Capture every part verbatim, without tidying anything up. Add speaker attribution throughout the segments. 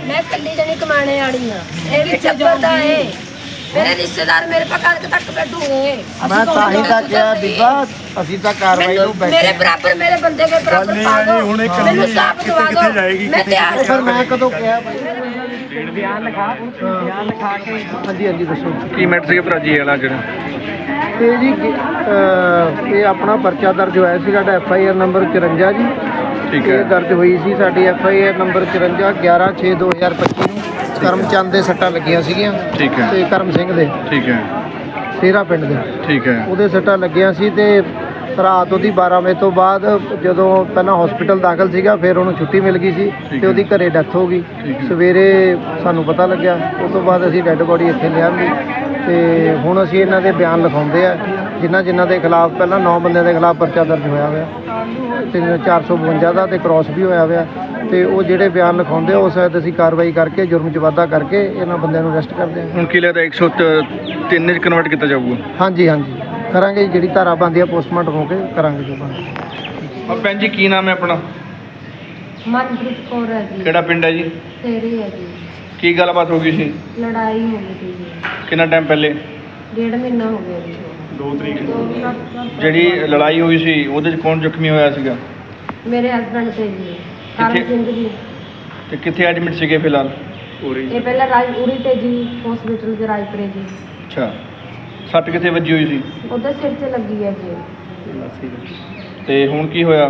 Speaker 1: मैं कल्ली जनी कमाने वाली हां ये भी चक्कर दा है मेरे रिश्तेदार मेरे पास कल तक बैठूंगे
Speaker 2: मैं ताही तक क्या बीबा ਅਸੀਂ ਤਾਂ ਕਾਰਵਾਈ ਨੂੰ ਬੈਠੇ
Speaker 1: मेरे बराबर मेरे बंदे के बराबर पा दो मैंने साफ दवा दो मैं तैयार हूं
Speaker 2: ਫਿਰ ਮੈਂ ਕਦੋਂ ਕਿਹਾ ਬਾਈ ਬਿਆਨ ਲਿਖਾ ਬਿਆਨ ਲਿਖਾ ਕੇ ਹਾਂਜੀ ਹਾਂਜੀ ਦੱਸੋ
Speaker 3: ਕੀ ਮੈਟਰ ਸੀਗਾ ਭਰਾ ਜੀ ਵਾਲਾ ਜਿਹੜਾ
Speaker 2: ਇਹ ਜੀ ਅਹ, ਇਹ ਆਪਣਾ ਪਰਚਾ ਦਰਜ ਹੋਇਆ ਸੀ ਸਾਡਾ ਐਫ ਆਈ ਆਰ ਨੰਬਰ ਚੁਰੰਜਾ ਜੀ
Speaker 3: ਠੀਕ
Speaker 2: ਇਹ
Speaker 3: ਹੈ
Speaker 2: ਦਰਜ ਹੋਈ ਸੀ ਸਾਡੀ ਐਫ ਆਈ ਆਰ ਨੰਬਰ ਚੁਰੰਜਾ ਗਿਆਰਾਂ ਛੇ ਦੋ ਹਜ਼ਾਰ ਪੱਚੀ ਨੂੰ ਕਰਮਚੰਦ ਦੇ ਸੱਟਾਂ ਲੱਗੀਆਂ ਸੀਗੀਆਂ
Speaker 3: ਠੀਕ ਹੈ
Speaker 2: ਤੇ ਕਰਮ ਸਿੰਘ ਦੇ
Speaker 3: ਠੀਕ ਹੈ
Speaker 2: ਸੇਰਾ ਪਿੰਡ ਦੇ
Speaker 3: ਠੀਕ ਹੈ
Speaker 2: ਉਹਦੇ ਸੱਟਾਂ ਲੱਗੀਆਂ ਸੀ ਤੇ ਰਾਤ ਉਹਦੀ ਬਾਰਾਂ ਵਜੇ ਤੋਂ ਬਾਅਦ ਜਦੋਂ ਪਹਿਲਾਂ ਹਸਪੀਟਲ ਦਾਖਲ ਸੀਗਾ ਫਿਰ ਉਹਨੂੰ ਛੁੱਟੀ ਮਿਲ ਗਈ ਸੀ ਤੇ ਉਹਦੀ ਘਰੇ ਡੈਥ ਹੋ ਗਈ ਸਵੇਰੇ ਸਾਨੂੰ ਪਤਾ ਲੱਗਿਆ ਉਸ ਤੋਂ ਬਾਅਦ ਅਸੀਂ ਡੈੱਡ ਬੋਡੀ ਇੱਥੇ ਲਿਆਂਦੀ ਤੇ ਹੁਣ ਅਸੀਂ ਇਹਨਾਂ ਦੇ ਬਿਆਨ ਲਿਖਾਉਂਦੇ ਆ ਜਿਨ੍ਹਾਂ ਜਿਨ੍ਹਾਂ ਦੇ ਖਿਲਾਫ ਪਹਿਲਾਂ ਨੌ ਬੰਦਿਆਂ ਦੇ ਖਿਲਾਫ ਪਰਚਾ ਦਰਜ ਹੋਇਆ ਹੋਇਆ ਤੇ ਚਾਰ ਸੌ ਬਵੰਜਾ ਦਾ ਤੇ ਕ੍ਰਾਸ ਵੀ ਹੋਇਆ ਹੋਇਆ ਤੇ ਉਹ ਜਿਹੜੇ ਬਿਆਨ ਲਿਖਾਉਂਦੇ ਆ ਉਸ ਸ਼ਾਇਦ ਅਸੀਂ ਕਾਰਵਾਈ ਕਰਕੇ ਜੁਰਮ 'ਚ ਵਾਧਾ ਕਰਕੇ ਇਹਨਾਂ ਬੰਦਿਆਂ ਨੂੰ ਅਰੈਸਟ ਕਰਦੇ ਹਾਂ
Speaker 3: ਹੁਣ ਕੀ ਲੱਗਦਾ ਇੱਕ ਸੌ ਤਿੰਨ ਚ ਕਨਵਰਟ ਕੀਤਾ ਜਾਊਗਾ
Speaker 2: ਹਾਂਜੀ ਹਾਂਜੀ ਕਰਾਂਗੇ ਜਿਹੜੀ ਧਾਰਾ ਬਣਦੀ ਆ ਪੋਸਟਮਾਰਟਮ ਹੋ ਕੇ ਕਰਾਂਗੇ ਜੋ ਬਣਦਾ
Speaker 3: ਔਰ ਭੈਣ ਜੀ ਕੀ ਨਾਮ ਹੈ ਆਪਣਾ
Speaker 1: मनप्रीत कौर है जी
Speaker 3: ਕਿਹੜਾ ਪਿੰਡ ਹੈ ਜੀ
Speaker 1: तेरी है जी
Speaker 3: ਕੀ ਗੱਲਬਾਤ ਹੋ ਗਈ ਸੀ
Speaker 1: लड़ाई हो गई थी जी
Speaker 3: ਕਿੰਨਾ ਟਾਈਮ ਪਹਿਲੇ
Speaker 1: डेढ़ महीना हो गया जी
Speaker 3: ਦੋ ਤਰੀਕ ਜਿਹੜੀ ਲੜਾਈ ਹੋਈ ਸੀ ਉਹਦੇ ਚ ਕੌਣ ਜ਼ਖਮੀ ਹੋਇਆ ਸੀਗਾ
Speaker 1: मेरे हस्बैंड थे जी करम
Speaker 3: किथे?
Speaker 1: सिंह जी
Speaker 3: ਤੇ ਕਿੱਥੇ ਐਡਮਿਟ ਸੀਗੇ ਫਿਲਹਾਲ
Speaker 1: ये पहले राज उरी थे जी हॉस्पिटल के रायपुरे जी
Speaker 3: ਅੱਛਾ ਸੱਟ ਕਿੱਥੇ ਵੱਜੀ ਹੋਈ ਸੀ
Speaker 1: उधर सिर से लगी है जी
Speaker 3: ਤੇ ਹੁਣ ਕੀ ਹੋਇਆ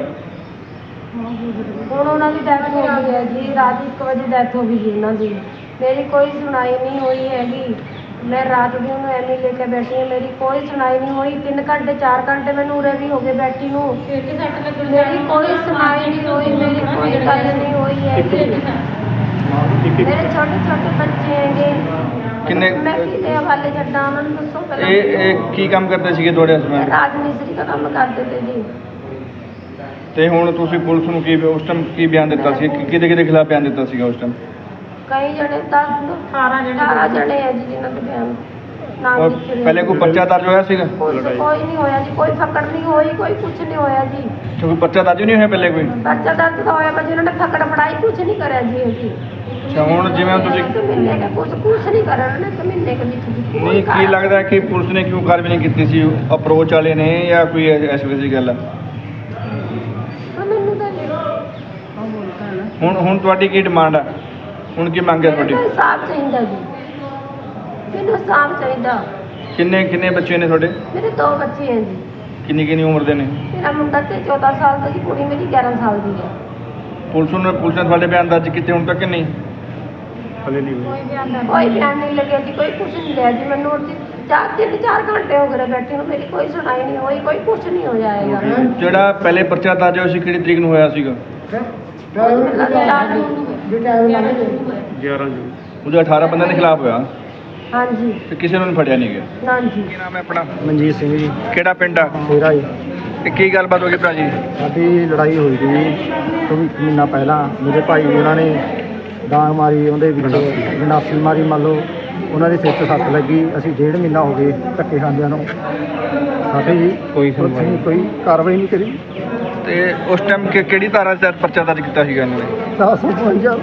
Speaker 1: ਹੁਣ ਉਹਨਾਂ ਦੀ ਡੈਥ ਹੋ ਗਈ ਹੈ ਜੀ ਰਾਤ ਇੱਕ ਵਜੇ ਡੈਥ ਹੋ ਗਈ ਜੀ ਉਹਨਾਂ ਦੀ ਮੇਰੀ ਕੋਈ ਸੁਣਾਈ ਨਹੀਂ ਹੋਈ ਹੈਗੀ ਮੈਂ ਰਾਤ ਦੀ ਉਹਨੂੰ ਐਵੇਂ ਲੈ ਕੇ ਬੈਠੀ ਹਾਂ ਮੇਰੀ ਕੋਈ ਸੁਣਾਈ ਨਹੀਂ ਹੋਈ ਤਿੰਨ ਘੰਟੇ ਚਾਰ ਘੰਟੇ ਮੈਨੂੰ ਉਰੇ ਵੀ ਹੋ ਗਏ ਬੈਠੀ ਨੂੰ ਮੇਰੀ ਕੋਈ ਸੁਣਾਈ ਨਹੀਂ ਹੋਈ ਮੇਰੀ ਕੋਈ ਗੱਲ ਨਹੀਂ ਹੋਈ ਹੈਗੀ ਮੇਰੇ ਛੋਟੇ ਛੋਟੇ ਬੱਚੇ ਹੈਗੇ
Speaker 3: ਕਿੰਨੇ
Speaker 1: ਮੈਂ ਕਿਹਦੇ ਹਵਾਲੇ ਛੱਡਾਂ ਉਹਨਾਂ ਨੂੰ ਦੱਸੋ ਪਹਿਲਾਂ
Speaker 3: ਇਹ ਇਹ ਕੀ ਕੰਮ ਕਰਦੇ ਸੀਗੇ ਤੁਹਾਡੇ ਹਸਬੰਦ
Speaker 1: ਰਾਜ ਮਿਸਤਰੀ ਦਾ ਕੰਮ ਕਰਦੇ ਤੇ ਜੀ
Speaker 3: ਤੇ ਹੁਣ ਤੁਸੀਂ ਪੁਲਿਸ ਨੂੰ ਕੀ ਉਸ ਟਾਈਮ ਕੀ ਬਿਆਨ ਦਿੱਤਾ ਸੀ ਕਿ ਕਿਹਦੇ ਕਿਹਦੇ ਖਿਲਾਫ ਬਿਆਨ ਦਿੱਤਾ ਸੀਗਾ ਉਸ ਟਾਈਮ
Speaker 1: ਕਈ ਜਣੇ ਦਸ ਅਠਾਰਾਂ ਜਣੇ ਅਠਾਰਾਂ ਜਣੇ ਹੈ ਜੀ ਜਿਨ੍ਹਾਂ ਦੇ ਬਿਆਨ ਨਾਮ
Speaker 3: ਔਰ
Speaker 1: ਲਿਖੇ ਹੋਏ
Speaker 3: ਪਹਿਲੇ ਕੋਈ ਪਰਚਾ ਦਰਜ ਹੋਇਆ ਸੀਗਾ
Speaker 1: ਕੋਈ ਕੋਈ ਨਹੀਂ ਹੋਇਆ ਜੀ ਕੋਈ ਫਕੜ ਨਹੀਂ ਹੋਈ ਕੋਈ ਕੁਝ ਨਹੀਂ ਹੋਇਆ ਜੀ
Speaker 3: ਕੋਈ ਪਰਚਾ ਦਰਜ ਨਹੀਂ ਹੋਇਆ ਪਹਿਲੇ ਕੋਈ
Speaker 1: ਪਰਚਾ ਦਰਜ ਤਾਂ ਹੋਇਆ ਪਰ ਜਿਹਨਾਂ ਨੇ ਫਕੜ ਫੜਾਈ ਕੁਝ ਨਹੀਂ ਕਰਿਆ ਜੀ ਇਹ ਜੀ
Speaker 3: ਅੱਛਾ ਹੁਣ ਜਿਵੇਂ ਤੁਸੀਂ
Speaker 1: ਇੱਕ ਮਹੀਨੇ ਦਾ ਕੁਝ ਕੁਝ ਨਹੀਂ ਕਰਿਆ ਉਹਨਾਂ ਨੇ ਇੱਕ ਮਹੀਨੇ ਦੇ ਵਿੱਚ ਜੀ ਕੋਈ
Speaker 3: ਨਹੀਂ ਕੀ
Speaker 1: ਕਾਰਨ-
Speaker 3: ਲੱਗਦਾ ਕਿ ਪੁਲਿਸ ਨੇ ਕਿਉਂ ਕਾਰਵਾਈ ਨਹੀਂ ਕੀਤੀ ਸੀ ਅਪਰੋਚ ਵਾਲੇ ਨੇ ਜਾਂ ਕੋਈ ਐਸੀ ਵੈਸੀ ਗੱਲ ਆ
Speaker 1: ਹਾਂ, ਮੈਨੂੰ ਤਾਂ ਨਹੀਂ
Speaker 3: ਹੁਣ ਹੁਣ ਤੁਹਾਡੀ ਕੀ ਡਿਮਾਂਡ ਆ ਹੁਣ ਕੀ ਮੰਗ ਹੈ ਤੁਹਾਡੀ
Speaker 1: ਮੈਨੂੰ ਇਨਸਾਫ਼ ਚਾਹੀਦਾ ਜੀ ਮੈਨੂੰ ਇਨਸਾਫ਼ ਚਾਹੀਦਾ
Speaker 3: ਕਿੰਨੇ ਕਿੰਨੇ ਬੱਚੇ ਨੇ ਤੁਹਾਡੇ
Speaker 1: ਮੇਰੇ ਦੋ ਬੱਚੇ ਹੈ ਜੀ
Speaker 3: ਕਿੰਨੀ ਕਿੰਨੀ ਉਮਰ ਦੇ ਨੇ
Speaker 1: ਮੇਰਾ ਮੁੰਡਾ ਤੇ ਚੌਦਾਂ ਸਾਲ ਦਾ ਜੀ ਕੁੜੀ ਮੇਰੀ ਗਿਆਰਾਂ ਸਾਲ ਦੀ ਹੈ
Speaker 3: ਪੁਲਿਸ ਨੇ ਪੁਲਿਸ ਨੇ ਤੁਹਾਡੇ ਬਿਆਨ ਦਰਜ ਕੀਤੇ ਹੁਣ ਤੱਕ ਕਿ ਨਹੀਂ ਹਲੇ ਨਹੀਂ
Speaker 1: ਕੋਈ ਬਿਆਨ ਕੋਈ ਬਿਆਨ ਨਹੀਂ ਲੱਗਿਆ ਜੀ ਕੋਈ ਕੁਝ ਨਹੀਂ ਲਿਆ ਜੀ ਮੈਨੂੰ ਉਹਦੀ ਚਾਰ ਤਿੰਨ ਚਾਰ ਘੰਟੇ ਹੋ ਗਏ ਬੈਠੇ ਨੂੰ ਮੇਰੀ ਕੋਈ ਸੁਣਾਈ ਨਹੀਂ ਹੋਈ ਕੋਈ ਕੁਝ ਨਹੀਂ ਹੋ ਜਾਏਗਾ
Speaker 3: ਜਿਹੜਾ ਪਹਿਲੇ ਪਰਚਾ ਦਰਜ ਹੋਇਆ ਸੀ ਕਿਹੜੀ ਤਰੀਕ ਨੂੰ ਹੋਇਆ ਸੀਗਾ ਗਿਆਰਾਂ ਜੂਨ ਉਹਦੇ ਅਠਾਰਾਂ ਬੰਦਿਆਂ ਦੇ ਖਿਲਾਫ ਹੋਇਆ
Speaker 1: ਹਾਂਜੀ
Speaker 3: ਤੇ ਕਿਸੇ ਨੂੰ ਨਹੀਂ ਫੜਿਆ ਨਹੀਂ ਗਿਆ
Speaker 1: ਹਾਂਜੀ
Speaker 3: ਕੀ ਨਾਮ ਹੈ ਆਪਣਾ
Speaker 2: ਮਨਜੀਤ ਸਿੰਘ ਜੀ
Speaker 3: ਕਿਹੜਾ ਪਿੰਡ ਆ
Speaker 2: ਮੇਰਾ ਜੀ
Speaker 3: ਤੇ ਕੀ ਗੱਲਬਾਤ ਹੋ ਗਈ ਭਰਾ ਜੀ
Speaker 2: ਸਾਡੀ ਲੜਾਈ ਹੋਈ ਸੀ ਕੋਈ ਮਹੀਨਾ ਪਹਿਲਾਂ ਮੇਰੇ ਭਾਈ ਨੇ ਉਹਨਾਂ ਨੇ ਡਾਂਗ ਮਾਰੀ ਉਹਦੇ ਵਿੱਚ ਗੰਡਾਸੀ ਮਾਰੀ ਮੰਨ ਲਓ ਉਹਨਾਂ ਦੇ ਸਿਰ 'ਚ ਸੱਟ ਲੱਗੀ ਅਸੀਂ ਡੇਢ ਮਹੀਨਾ ਹੋ ਗਏ ਧੱਕੇ ਖਾਂਦਿਆਂ ਨੂੰ ਸਾਡੀ ਕੋਈ ਸੁਣਵਾਈ ਕੋਈ ਕਾਰਵਾਈ ਨਹੀਂ ਕਰੀ
Speaker 3: ਤੇ ਉਸ ਟਾਈਮ ਕਿਹੜੀ ਧਾਰਾ 'ਚ ਪਰਚਾ ਦਰਜ ਕੀਤਾ ਸੀਗਾ ਇਹਨਾਂ ਨੇ
Speaker 2: ਚਾਰ ਸੌ ਪਚਵੰਜਾ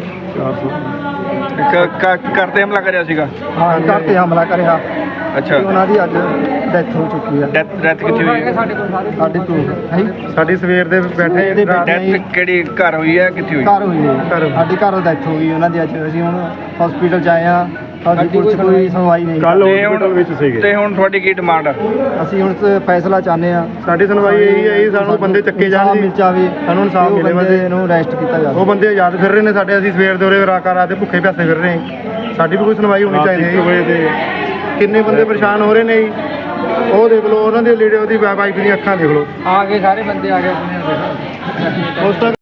Speaker 3: ਕ- ਕ- ਕਰਦੇ ਹਮਲਾ ਕਰਿਆ ਸੀਗਾ
Speaker 2: ਹਾਂ ਘਰ 'ਤੇ ਹਮਲਾ ਕਰਿਆ
Speaker 3: ਅੱਛਾ
Speaker 2: ਤੇ ਉਹਨਾਂ ਦੀ ਅੱਜ ਡੈਥ ਹੋ ਚੁੱਕੀ ਹੈ
Speaker 3: ਡੈਥ ਡੈਥ ਕਿੱਥੇ ਹੋਈ ਹੈ
Speaker 2: ਸਾਡੀ ਤੋਂ ਹੈ
Speaker 3: ਸਾਡੀ ਸਵੇਰ ਦੇ ਬੈਠੇ ਡੈਥ ਕਿਹੜੀ ਘਰ ਹੋਈ ਹੈ ਕਿੱਥੇ ਹੋਈ
Speaker 2: ਘਰ ਹੋਈ ਹੈ ਸਾਡੀ ਘਰ ਡੈਥ ਹੋ ਗਈ ਉਹਨਾਂ ਦੀ ਅੱਜ ਅਸੀਂ ਹੁਣ ਹਸਪੀਟਲ 'ਚ ਆਏ ਹਾਂ ਸਾਡੀ ਪੁਲਿਸ ਕੋਈ ਸੁਣਵਾਈ ਨਹੀਂ
Speaker 3: ਤੇ ਹੁਣ ਤੇ ਹੁਣ ਤੁਹਾਡੀ ਕੀ ਡਿਮਾਂਡ ਆ
Speaker 2: ਅਸੀਂ ਹੁਣ ਫੈਸਲਾ ਚਾਹੁੰਦੇ ਹਾਂ
Speaker 4: ਸਾਡੀ ਸੁਣਵਾਈ ਇਹੀ ਹੈ ਜੀ ਸਾਨੂੰ ਬੰਦੇ ਚੱਕੇ ਜਾਣ ਜੀ
Speaker 2: ਮਿਲ ਜਾਵੇ
Speaker 4: ਸਾਨੂੰ ਇਨਸਾਫ ਮਿਲੇ ਬਸ
Speaker 2: ਬੰਦੇ ਨੂੰ ਅਰੈਸਟ ਕੀਤਾ ਜਾਵੇ
Speaker 4: ਉਹ ਬੰਦੇ ਆਜ਼ਾਦ ਫਿਰ ਰਹੇ ਨੇ ਸਾਡੇ ਅਸੀਂ ਸਵੇਰ ਦੇ ਉਰੇ ਰਾਕਾ ਰਾਤ ਦੇ ਭੁੱਖੇ ਪਿਆਸੇ ਫਿਰ ਰਹੇ ਹਾਂ ਸਾਡੀ ਵੀ ਕੋਈ ਸੁਣਵਾਈ ਹੋਣੀ ਚਾਹੀਦੀ ਹੈ ਜੀ ਕਿੰਨੇ ਬੰਦੇ ਪਰੇਸ਼ਾਨ ਹੋ ਰਹੇ ਨੇ ਜੀ ਉਹ ਦੇਖ ਲਓ ਉਹਨਾਂ ਦੇ ਲੀੜੇ ਉਹਦੀ ਵਾਈਫ ਦੀਆਂ ਅੱਖਾਂ ਦੇਖ ਲਓ
Speaker 2: ਆ ਗਏ ਸਾਰੇ ਬੰਦੇ ਆ ਗਏ ਆਪਣੇ
Speaker 4: ਉਸ ਤੱਕ